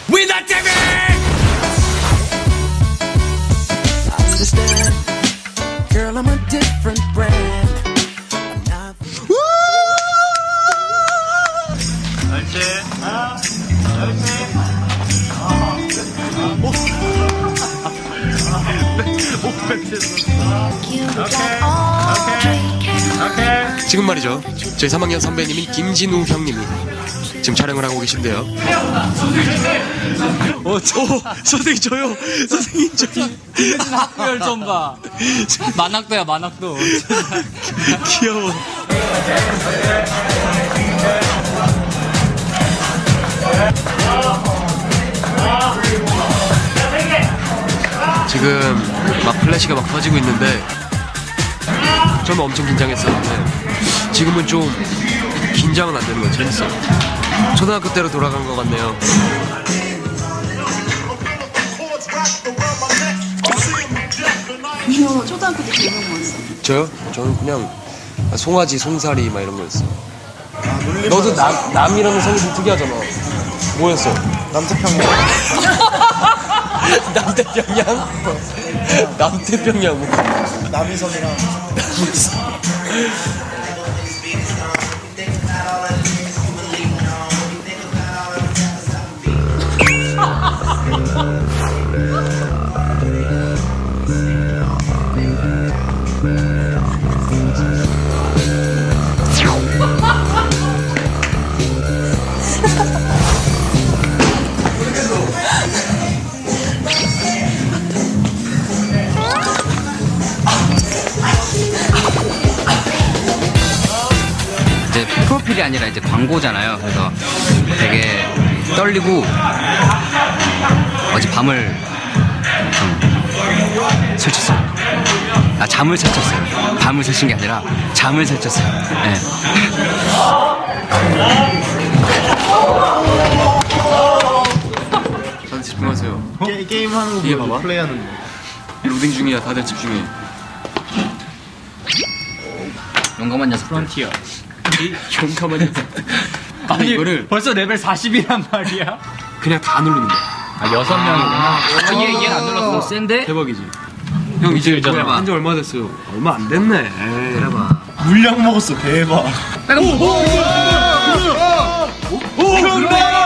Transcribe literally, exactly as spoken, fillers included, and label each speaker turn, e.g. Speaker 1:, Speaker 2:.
Speaker 1: We not TV!
Speaker 2: Understand, girl, I'm a different brand.
Speaker 3: 옳지. 아, 옳지.
Speaker 1: 지금 말이죠. 저희 삼 학년 선배님인 김진우 형님이 지금 촬영을 하고 계신데요. 어, 저, 선생님 저요. 선생님 저요.
Speaker 4: 김혜진 학부열 좀 봐. 만학도야 만학도.
Speaker 1: 귀여워. 지금 막 플래시가 막 터지고 있는데 저는 엄청 긴장했었는데 지금은 좀 긴장은 안 되는 거 재밌어요. 초등학교 때로 돌아간 것 같네요.
Speaker 5: 너 초등학교 때 제목 뭐였어?
Speaker 1: 저요? 저는 그냥 송아지, 송사리 막 이런 거였어. 너도 남, 남이라는 성이 좀 특이하잖아. 뭐였어?
Speaker 6: 남태평양.
Speaker 1: 남태평양? 남태평양 뭐.
Speaker 6: 남이섬이랑.
Speaker 4: 이제 프로필이 아니라 이제 광고잖아요. 그래서 되게 떨리고 어제 밤을 좀 설쳤어요. 아 잠을 설쳤어요. 밤을 설친 게 아니라 잠을 설쳤어요. 네.
Speaker 1: 다들 집중하세요.
Speaker 6: 게, 게임하는
Speaker 1: 이게
Speaker 6: 거
Speaker 1: 봐봐.
Speaker 6: 플레이하는 거.
Speaker 1: 로딩 중이야. 다들 집중해.
Speaker 4: 용감한 녀석. 프론티어.
Speaker 1: 용감한 녀석.
Speaker 4: 아니
Speaker 1: 이거를
Speaker 4: 벌써 레벨 사십이란 말이야.
Speaker 1: 그냥 다 누르는 거야.
Speaker 4: 아 여섯 명이구나. 얘 얘는 안 눌렀어. 센데?
Speaker 1: 대박이지. 형 이제 뭐야? 한지 얼마 됐어요? 얼마 안 됐네.
Speaker 4: 내려봐.
Speaker 6: 물량 먹었어. 대박.
Speaker 4: 빨간 오, 오, 오, 오, 오, 오, 오,